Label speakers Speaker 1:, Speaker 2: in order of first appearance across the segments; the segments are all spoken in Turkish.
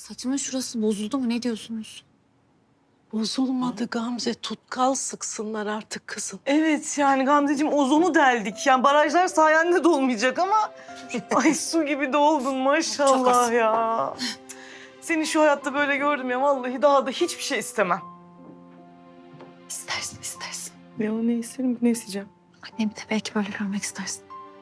Speaker 1: Saçımın şurası bozuldu mu? Ne diyorsunuz?
Speaker 2: Bozulmadı Gamze. Tutkal sıksınlar artık kızım.
Speaker 3: Evet yani Gamzeciğim ozonu deldik. Yani barajlar sayende dolmayacak ama... Ay su gibi doldun maşallah
Speaker 1: Çok az.
Speaker 3: ya. Seni şu hayatta böyle gördüm ya vallahi daha da hiçbir şey istemem.
Speaker 1: İstersin, istersin.
Speaker 3: Ya ne isterim ne isteyeceğim?
Speaker 1: Annemi de belki böyle görmek istersin.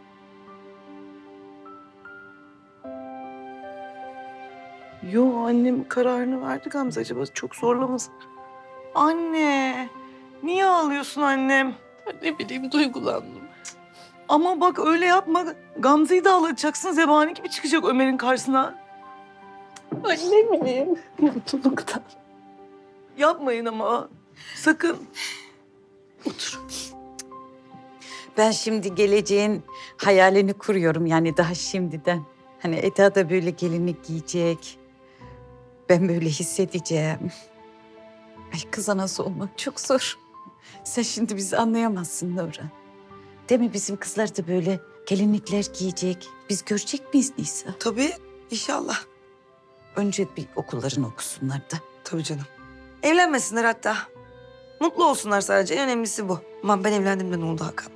Speaker 3: Yo annem kararını verdi Gamze acaba çok zorlamasın. Anne niye ağlıyorsun annem?
Speaker 2: Ne bileyim duygulandım.
Speaker 3: Ama bak öyle yapma. Gamze'yi de ağlatacaksın. Zebani gibi çıkacak Ömer'in karşısına.
Speaker 2: Ay ne bileyim mutluluktan.
Speaker 3: Yapmayın ama. Sakın.
Speaker 2: Otur.
Speaker 4: Ben şimdi geleceğin hayalini kuruyorum yani daha şimdiden. Hani Eda da böyle gelinlik giyecek. Ben böyle hissedeceğim. Ay kız anası olmak çok zor. Sen şimdi bizi anlayamazsın Nurhan. Değil mi bizim kızlar da böyle gelinlikler giyecek. Biz görecek miyiz Nisa?
Speaker 5: Tabii inşallah.
Speaker 4: Önce bir okullarını okusunlar da.
Speaker 5: Tabii canım. Evlenmesinler hatta. Mutlu olsunlar sadece. En önemlisi bu. Aman ben evlendim de ne oldu Hakan'la?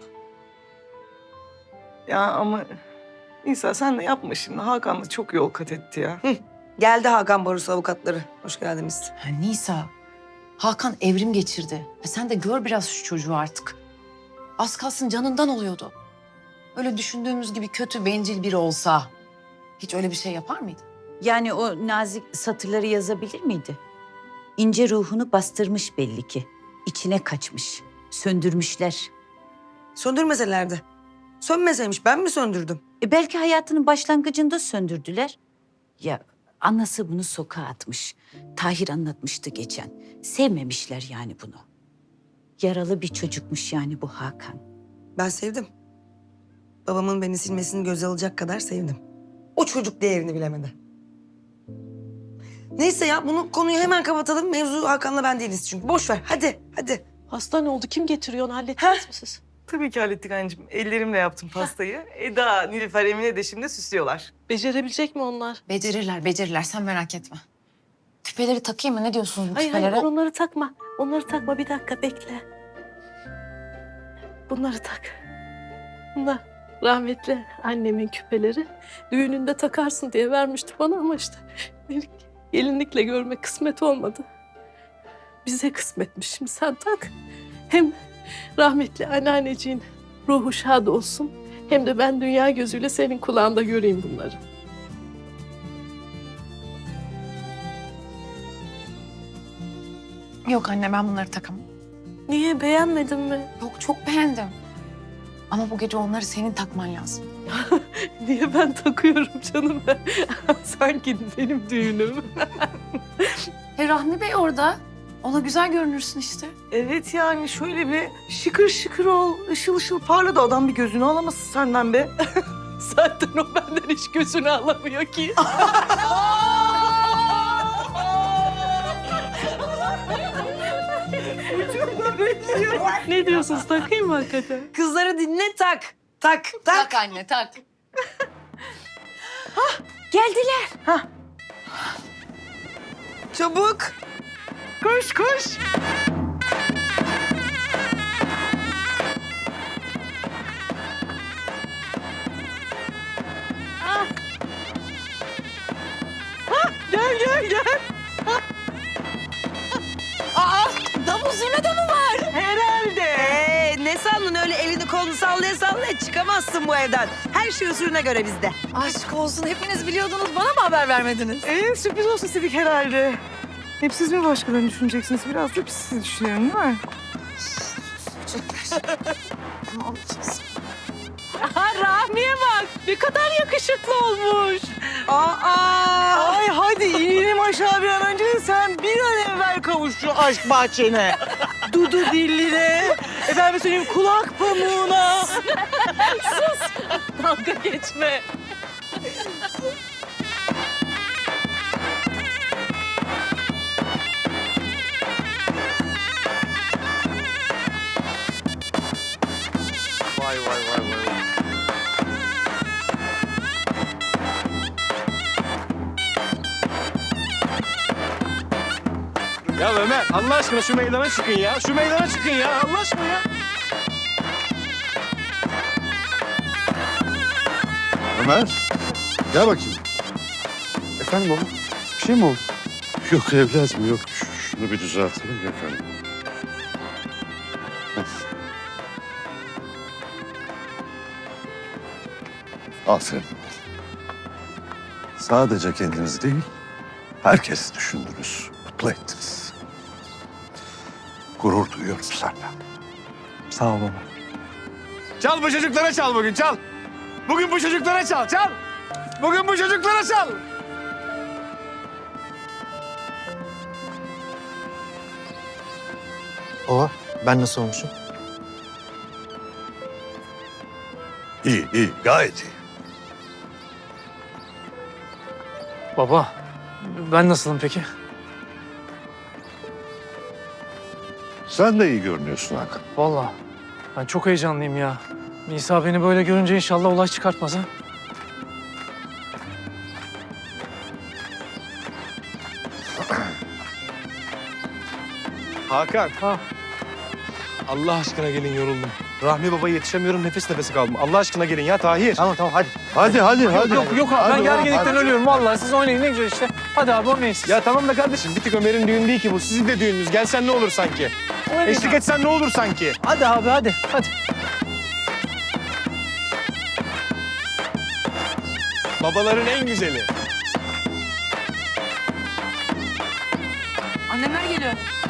Speaker 3: Ya ama İsa sen de yapma şimdi. Hakan da çok yol kat etti ya.
Speaker 5: Geldi Hakan Barosu avukatları. Hoş geldiniz.
Speaker 6: Ha, Nisa, Hakan evrim geçirdi. Sen de gör biraz şu çocuğu artık. Az kalsın canından oluyordu. Öyle düşündüğümüz gibi kötü, bencil biri olsa hiç öyle bir şey yapar mıydı?
Speaker 4: Yani o nazik satırları yazabilir miydi? İnce ruhunu bastırmış belli ki. İçine kaçmış. Söndürmüşler.
Speaker 5: Söndürmeselerdi. Sönmeseymiş ben mi söndürdüm?
Speaker 4: Belki hayatının başlangıcında söndürdüler. Ya anası bunu sokağa atmış. Tahir anlatmıştı geçen. Sevmemişler yani bunu. Yaralı bir çocukmuş yani bu Hakan.
Speaker 5: Ben sevdim. Babamın beni silmesini göze alacak kadar sevdim. O çocuk değerini bilemedi. Neyse ya bunu konuyu hemen kapatalım. Mevzu Hakan'la ben değiliz çünkü. Boş ver hadi hadi.
Speaker 2: Hasta ne oldu? Kim getiriyor onu hallettiniz mi siz?
Speaker 3: Tabii ki hallettik anneciğim. Ellerimle yaptım pastayı. Eda, Nilüfer, Emine de şimdi süslüyorlar.
Speaker 2: Becerebilecek mi onlar?
Speaker 6: Becerirler, becerirler. Sen merak etme. Küpeleri takayım mı? Ne diyorsunuz bu
Speaker 2: Hayır
Speaker 6: küpelere?
Speaker 2: hayır onları takma. Onları takma bir dakika bekle. Bunları tak. Bunlar rahmetli annemin küpeleri. Düğününde takarsın diye vermişti bana ama işte beni gelinlikle görmek kısmet olmadı. Bize kısmetmiş. Şimdi sen tak. Hem rahmetli anneanneciğin ruhu şad olsun. Hem de ben dünya gözüyle senin kulağında göreyim bunları.
Speaker 6: Yok anne, ben bunları takamam.
Speaker 2: Niye beğenmedin mi?
Speaker 6: Yok, çok beğendim. Ama bu gece onları senin takman lazım.
Speaker 2: Niye ben takıyorum canım? Sanki benim düğünüm.
Speaker 6: Rahmi Bey orada. Ona güzel görünürsün işte.
Speaker 3: Evet yani şöyle bir şıkır şıkır ol, ışıl ışıl parla da adam bir gözünü alamasın senden be.
Speaker 2: Zaten o benden hiç gözünü alamıyor ki. Ne diyorsunuz? Takayım mı hakikaten?
Speaker 5: Kızları dinle tak. Tak tak.
Speaker 6: Tak anne, tak.
Speaker 4: Geldiler.
Speaker 5: Çabuk.
Speaker 3: Koş koş.
Speaker 2: Gel gel gel.
Speaker 6: Davul zurnada mı var?
Speaker 3: Herhalde.
Speaker 5: Ne sandın öyle elini kolunu sallaya sallaya çıkamazsın bu evden. Her şey usulüne göre bizde.
Speaker 6: Aşk olsun, hepiniz biliyordunuz. Bana mı haber vermediniz?
Speaker 3: Sürpriz olsun istedik herhalde. Hep siz mi başkalarını düşüneceksiniz? Biraz da biz sizi düşünüyorum değil mi?
Speaker 2: Rahmiye bak. Ne kadar yakışıklı olmuş.
Speaker 3: Ay hadi inelim aşağı bir an önce de sen bir an evvel kavuş şu aşk bahçene. Dudu dilline, efendim söyleyeyim kulak pamuğuna.
Speaker 2: Dalga geçme.
Speaker 7: Vay vay vay vay. Ya Ömer Allah aşkına şu meydana çıkın ya. Şu meydana çıkın ya Allah aşkına ya.
Speaker 8: Ömer, gel bakayım.
Speaker 7: Efendim baba bir şey mi oldu?
Speaker 8: Yok evladım yok. Şunu bir düzeltelim efendim. Aferin. Sadece kendinizi değil, herkesi düşündünüz, mutlu ettiniz. Gurur duyuyorum senden.
Speaker 7: Sağ ol baba. Çal bu çocuklara çal bugün çal. Bugün bu çocuklara çal çal. Bugün bu çocuklara çal.
Speaker 9: Baba, ben nasıl olmuşum?
Speaker 8: İyi, iyi, gayet iyi.
Speaker 9: Baba, ben nasılım peki?
Speaker 8: Sen de iyi görünüyorsun Hakan.
Speaker 9: Vallahi ben çok heyecanlıyım ya. Nisa beni böyle görünce inşallah olay çıkartmaz ha.
Speaker 7: Hakan.
Speaker 9: Ha.
Speaker 7: Allah aşkına gelin yoruldum. Rahmi Baba'ya yetişemiyorum nefes nefese kaldım. Allah aşkına gelin ya Tahir.
Speaker 9: Tamam hadi.
Speaker 8: Hadi, hadi.
Speaker 9: Yok abi ben gerginlikten ölüyorum vallahi. Siz oynayın ne güzel işte. Hadi abi oynayın siz.
Speaker 7: Ya tamam da kardeşim bir tık Ömer'in düğünü değil ki bu. Sizin de düğününüz. Gelsen ne olur sanki?
Speaker 9: Oynayın
Speaker 7: Eşlik
Speaker 9: abi.
Speaker 7: etsen ne olur sanki?
Speaker 9: Hadi abi hadi.
Speaker 7: Babaların en güzeli.
Speaker 1: Annemler geliyor.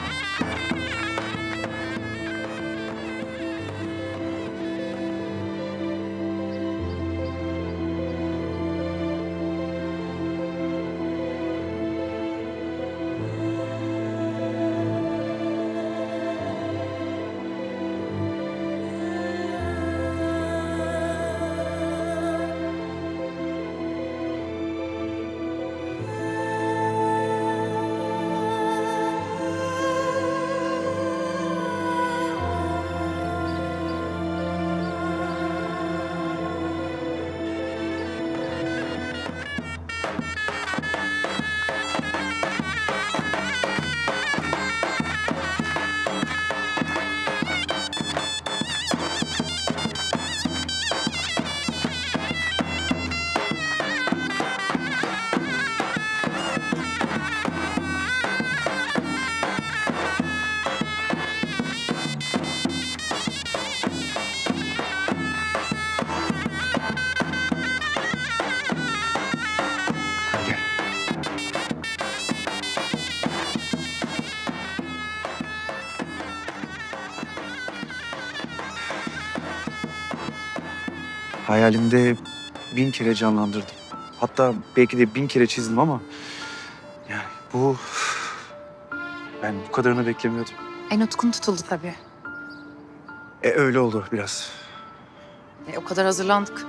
Speaker 10: Hayalimde 1000 kere canlandırdım. Hatta belki de 1000 kere çizdim ama... Yani bu... Ben bu kadarını beklemiyordum.
Speaker 1: En utkun tutuldu tabii.
Speaker 10: Öyle oldu biraz.
Speaker 1: O kadar hazırlandık.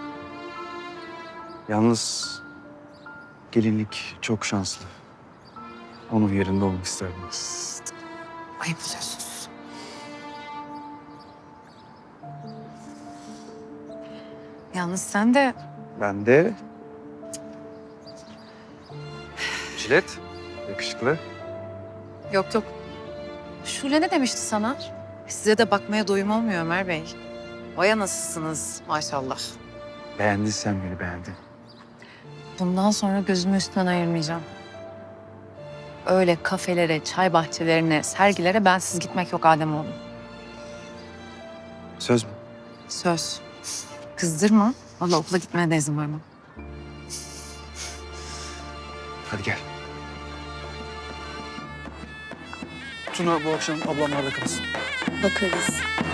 Speaker 10: Yalnız gelinlik çok şanslı. Onun yerinde olmak isterdim.
Speaker 1: Ayıp oluyorsunuz. Yalnız sen de
Speaker 10: Ben de... Jilet, yakışıklı.
Speaker 1: yok. Şule ne demişti sana? Size de bakmaya doyum olmuyor Ömer Bey. Vaya nasılsınız maşallah.
Speaker 10: Beğendin sen beni, beğendin.
Speaker 1: Bundan sonra gözümü üstünden ayırmayacağım. Öyle kafelere, çay bahçelerine, sergilere bensiz gitmek yok Ademoğlu.
Speaker 10: Söz mü?
Speaker 1: Söz. Kızdırma. Vallahi okula gitmeye de izin vermem.
Speaker 10: Hadi gel. Tuna bu akşam ablamlarda kalsın.
Speaker 1: Bakarız.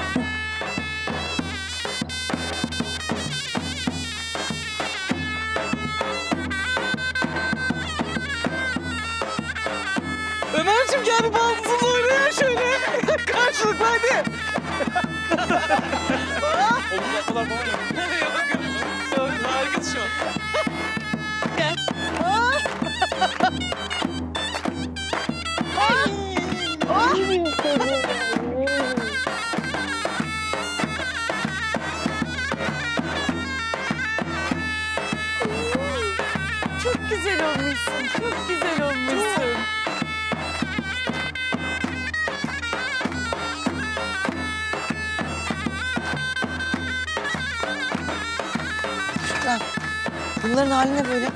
Speaker 3: Ömerciğim gel bir baldızınla oynayalım şöyle. Karşılıklı hadi.
Speaker 7: Omuzlar falan ya.
Speaker 3: Harikasın şu an. Gel. Çok güzel olmuşsun. Çok güzel olmuşsun.
Speaker 5: Bunların hali ne böyle?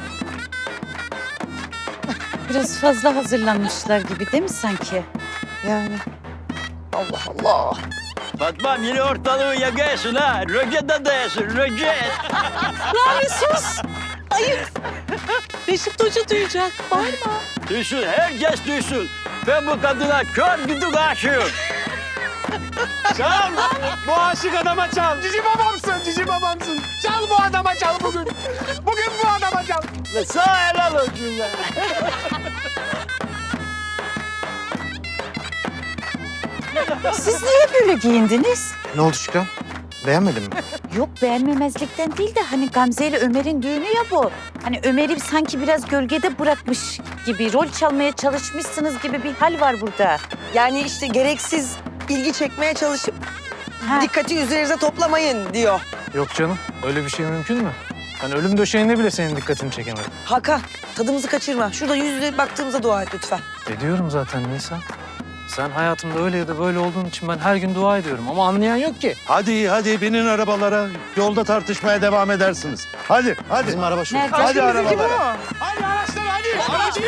Speaker 4: Biraz fazla hazırlanmışlar gibi değil mi sanki?
Speaker 5: Yani. Allah Allah.
Speaker 11: Fatma yine ortalığı yakıyorsun ha. Roket adayasın, roket.
Speaker 2: Rami sus. Ayıp. Reşit Hoca duyacak. Bağırma.
Speaker 11: Duysun, herkes duysun. Ben bu kadına kör güdük aşığım.
Speaker 7: Çal. Bu aşık adama çal. Cici babamsın, cici babamsın. Çal bu adama çal bugün. Bugün bu adama çal.
Speaker 11: Ve sağ helal olsun be.
Speaker 4: Siz niye böyle giyindiniz?
Speaker 10: Ne oldu Şükran? Beğenmedin mi?
Speaker 4: Yok beğenmemezlikten değil de hani Gamze ile Ömer'in düğünü ya bu. Hani Ömer'i sanki biraz gölgede bırakmış gibi, rol çalmaya çalışmışsınız gibi bir hal var burada.
Speaker 5: Yani işte gereksiz ilgi çekmeye çalışıp
Speaker 4: Ha.
Speaker 5: dikkati üzerinize toplamayın diyor.
Speaker 9: Yok canım, öyle bir şey mümkün mü? Hani ölüm döşeğinde bile senin dikkatini çekemedim.
Speaker 5: Hakan tadımızı kaçırma. Şurada yüz yüze baktığımıza dua et lütfen.
Speaker 9: Ediyorum zaten Nisan. Sen hayatımda öyle ya da böyle olduğun için ben her gün dua ediyorum ama anlayan yok ki.
Speaker 8: Hadi binin arabalara. Yolda tartışmaya devam edersiniz. Hadi. Bizim araba şu.
Speaker 4: Nerede?
Speaker 8: Hadi arabalara.
Speaker 7: Hadi araçlar hadi. Aracı.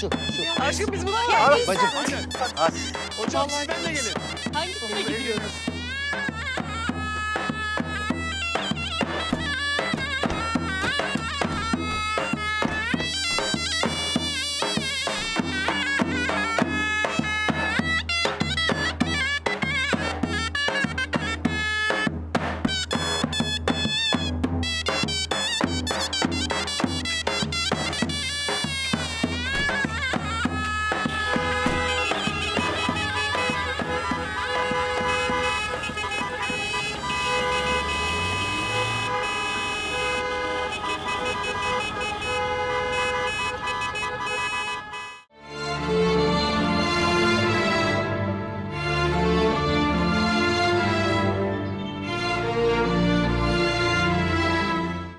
Speaker 5: Aşkım biz buna
Speaker 8: Bacım.
Speaker 7: Hocam siz benimle gelin.
Speaker 2: Hangisine gidiyoruz?